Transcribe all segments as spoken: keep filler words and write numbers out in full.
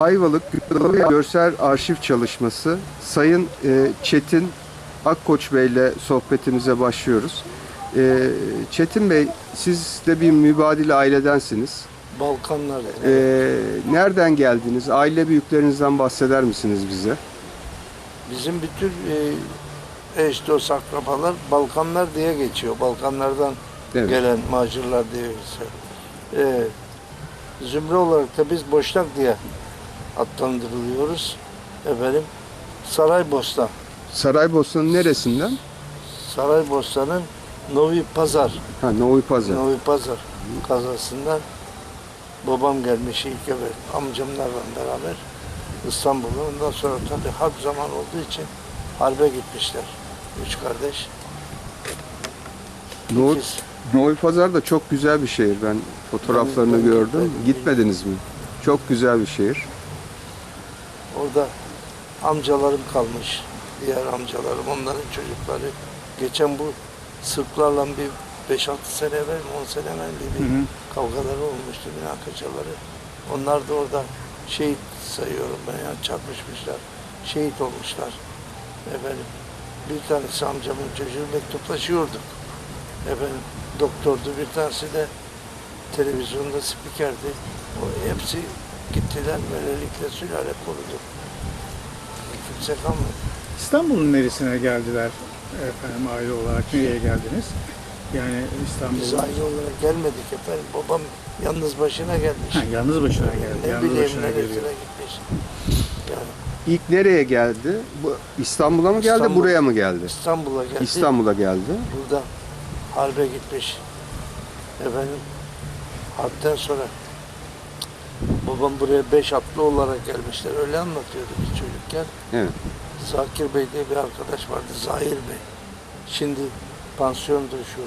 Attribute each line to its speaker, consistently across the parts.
Speaker 1: Ayvalık Görsel Arşiv Çalışması Sayın e, Çetin Akkoç Bey ile sohbetimize başlıyoruz. E, Çetin Bey, siz de bir mübadil ailedensiniz.
Speaker 2: Balkanlar.
Speaker 1: E, nereden geldiniz? Aile büyüklerinizden bahseder misiniz bize?
Speaker 2: Bizim bütün e, eş dost akrabalar Balkanlar diye geçiyor. Balkanlardan
Speaker 1: Evet.
Speaker 2: gelen macirlar diye geçiyor. E, zümre olarak da biz Boşnak diye adlandırılıyoruz. Efendim, Saraybosna.
Speaker 1: Saraybosna'nın neresinden?
Speaker 2: Saraybosna'nın Novi Pazar.
Speaker 1: Ha, Novi Pazar.
Speaker 2: Novi Pazar kazasından babam gelmiş ilk evet amcamlarla beraber İstanbul'a. Ondan sonra tabii harp zaman olduğu için harbe gitmişler. Üç kardeş.
Speaker 1: Novi,
Speaker 2: İkiz.
Speaker 1: Novi Pazar da çok güzel bir şehir. Ben fotoğraflarını
Speaker 2: Ben- ben
Speaker 1: gördüm.
Speaker 2: gitmedim.
Speaker 1: Gitmediniz mi? Çok güzel bir şehir.
Speaker 2: Orada amcalarım kalmış. Diğer amcalarım, onların çocukları. Geçen bu Sırplarla bir beş altı sene evvel, on sene evvel bir, bir
Speaker 3: Hı hı.
Speaker 2: kavgaları olmuştu, münakaşaları. Onlar da orada şehit sayıyorum ben, yani çarpışmışlar, şehit olmuşlar. Efendim, bir tanesi amcamın çocuğu, mektuplaşıyorduk. Efendim, doktordu, bir tanesi de televizyonda spikerdi. O hepsi gittiler, böylelikle sülale korudu. Kimse kalmadı.
Speaker 3: İstanbul'un neresine geldiler efendim aile olarak? Nereye geldiniz? Yani
Speaker 2: Biz
Speaker 3: İstanbul'un...
Speaker 2: aile olarak gelmedik efendim. Babam yalnız başına gelmiş.
Speaker 3: Ha, yalnız başına geldi.
Speaker 2: Ne
Speaker 3: Yalnız
Speaker 2: bileyim
Speaker 3: başına
Speaker 2: neresine
Speaker 3: geliyor.
Speaker 2: gitmiş. Yani
Speaker 1: İlk nereye geldi? Bu İstanbul'a mı geldi,
Speaker 2: İstanbul.
Speaker 1: buraya mı geldi?
Speaker 2: İstanbul'a geldi.
Speaker 1: İstanbul'a geldi.
Speaker 2: Burada harbe gitmiş. Efendim harpten sonra babam buraya beş atlı olarak gelmişler. Öyle anlatıyordu biz çocukken.
Speaker 1: Evet.
Speaker 2: Zakir Bey diye bir arkadaş vardı. Zahir Bey. Şimdi pansiyondur şu.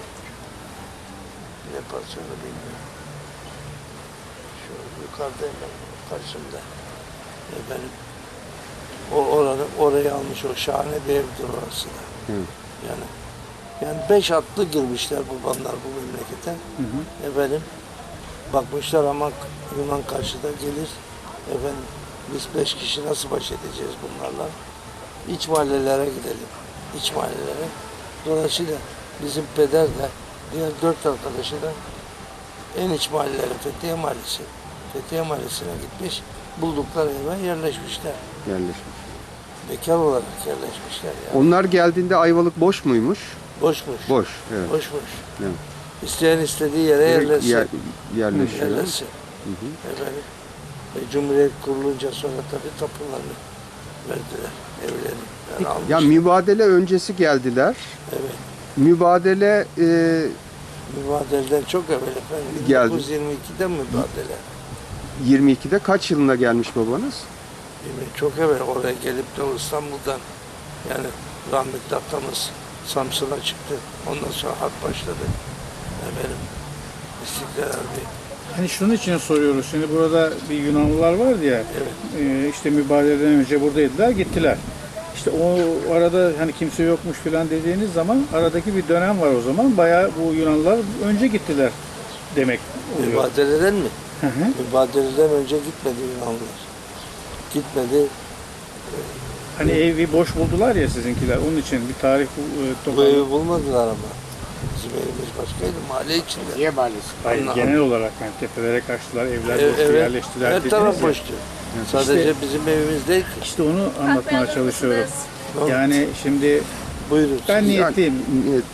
Speaker 2: Ne pansiyonu bilmiyorum. Şu yukarıda hemen karşımda. Efendim. O oranı, orayı almış, o şahane bir evdir orası da.
Speaker 1: Evet.
Speaker 2: Yani yani beş atlı girmişler babamlar bu memlekete.
Speaker 3: Hı hı.
Speaker 2: Efendim bakmışlar ama Yunan karşıda gelir. Efendim biz beş kişi nasıl baş edeceğiz bunlarla? İç mahallelere gidelim. İç mahallelere. Dolayısıyla bizim peder de diğer dört arkadaşı da en iç mahallelere, Fethiye Mahallesi. Fethiye Mahallesi'ne gitmiş. Buldukları eve yerleşmişler.
Speaker 1: Yerleşmiş.
Speaker 2: Bekar olarak yerleşmişler yani.
Speaker 1: Onlar geldiğinde Ayvalık boş muymuş?
Speaker 2: Boşmuş.
Speaker 1: Boş. Evet.
Speaker 2: Boşmuş.
Speaker 1: Evet.
Speaker 2: İsteyen istediği yere yerleşsin.
Speaker 1: Yer, yerleşiyor.
Speaker 2: Yerleşsin.
Speaker 1: Hı hı.
Speaker 2: Efendim, e, Cumhuriyet kurulunca sonra tabii tapularını verdiler. Evlerini yani almışlar.
Speaker 1: Ya mübadele öncesi geldiler.
Speaker 2: Evet.
Speaker 1: Mübadele e,
Speaker 2: Mübadeleden çok evvel efendim.
Speaker 1: Geldi.
Speaker 2: bin dokuz yüz yirmi ikide mübadele.
Speaker 1: yirmi ikide kaç yılında gelmiş babanız?
Speaker 2: Yani çok evvel oraya gelip de o İstanbul'dan yani rahmetli atamız Samsun'a çıktı. Ondan sonra harp başladı. Efendim, İstiklal Harbi.
Speaker 3: Hani şunun için soruyoruz. Şimdi burada bir Yunanlılar vardı ya.
Speaker 2: Evet.
Speaker 3: E, işte mübadeleden önce buradaydılar, gittiler. İşte o arada hani kimse yokmuş falan dediğiniz zaman aradaki bir dönem var o zaman. Bayağı bu Yunanlılar önce gittiler demek oluyor.
Speaker 2: Mübadeleden mi?
Speaker 3: Hı hı.
Speaker 2: Mübadeleden önce gitmedi Yunanlılar. Gitmedi.
Speaker 3: Hani evi boş buldular ya sizinkiler. Onun için bir tarih bu, e,
Speaker 2: Bu
Speaker 3: topladı.
Speaker 2: evi bulmadılar ama. Bizim evimiz başkaydı, mahalle içinde.
Speaker 4: Niye mahallesi?
Speaker 3: Hayır,
Speaker 2: Ondan-
Speaker 3: genel olarak yani tepelere kaçtılar, evler
Speaker 2: Ev-
Speaker 3: boştu,
Speaker 2: evet,
Speaker 3: yerleştiler
Speaker 2: her
Speaker 3: dediniz
Speaker 2: taraf
Speaker 3: ya.
Speaker 2: boştu. Sadece
Speaker 3: İşte-
Speaker 2: bizim evimiz değil ki.
Speaker 3: İşte onu anlatmaya çalışıyorum.
Speaker 2: Ne oldu?
Speaker 3: Yani şimdi
Speaker 2: Buyurun.
Speaker 3: ben niyetliyim.
Speaker 1: Niyet,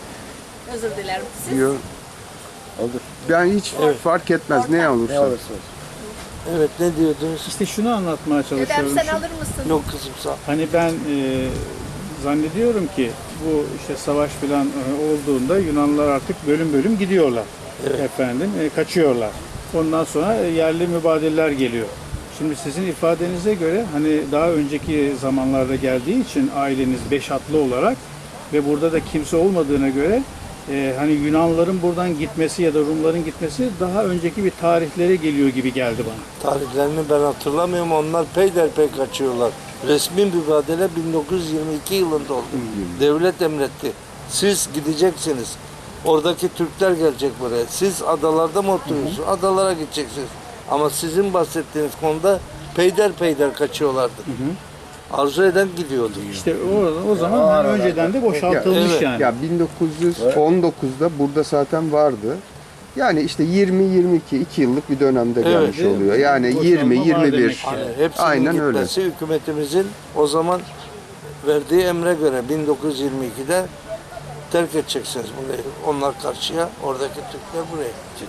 Speaker 5: Özür dilerim. Siz
Speaker 1: diyor.
Speaker 4: Olur.
Speaker 1: Ben hiç
Speaker 2: Evet.
Speaker 1: fark etmez ne olursa.
Speaker 4: Ne olursa olsun.
Speaker 2: Evet, ne diyordunuz?
Speaker 3: İşte şunu anlatmaya
Speaker 5: dedem
Speaker 3: çalışıyorum.
Speaker 5: sen
Speaker 3: Şu-
Speaker 5: alır mısın?
Speaker 2: Yok kızım sağ ol.
Speaker 3: Hani ben e, zannediyorum ki bu işte savaş falan e, olduğunda Yunanlılar artık bölüm bölüm gidiyorlar.
Speaker 2: Evet.
Speaker 3: Efendim e, kaçıyorlar. Ondan sonra e, yerli mübadeleler geliyor. Şimdi sizin ifadenize göre hani daha önceki zamanlarda geldiği için aileniz beş atlı olarak ve burada da kimse olmadığına göre e, hani Yunanlıların buradan gitmesi ya da Rumların gitmesi daha önceki bir tarihlere geliyor gibi geldi bana.
Speaker 2: Tarihlerini ben hatırlamıyorum. Onlar peyderpey kaçıyorlar. Resmi mübadele bin dokuz yüz yirmi iki yılında oldu. Devlet emretti. Siz gideceksiniz. Oradaki Türkler gelecek buraya. Siz adalarda mı oturuyorsunuz? Adalara gideceksiniz. Ama sizin bahsettiğiniz konuda peyder peyder kaçıyorlardı. Arzu eden gidiyordu.
Speaker 3: İşte o, o zaman hani önceden de boşaltılmış
Speaker 2: Evet.
Speaker 3: yani.
Speaker 1: Ya bin dokuz yüz on dokuzda burada zaten vardı. Yani işte yirmi yirmi iki iki yıllık bir dönemde
Speaker 2: Evet,
Speaker 1: gelmiş
Speaker 3: değil mi?
Speaker 1: oluyor. Yani
Speaker 3: Boşalma
Speaker 1: yirmi
Speaker 3: var
Speaker 1: yirmi
Speaker 3: demek
Speaker 1: bir.
Speaker 3: ki.
Speaker 2: Hani hepsinin
Speaker 1: Aynen öyle.
Speaker 2: gitmesi hükümetimizin o zaman verdiği emre göre bin dokuz yüz yirmi ikide terk edeceksiniz burayı. Onlar karşıya, oradaki Türkler buraya.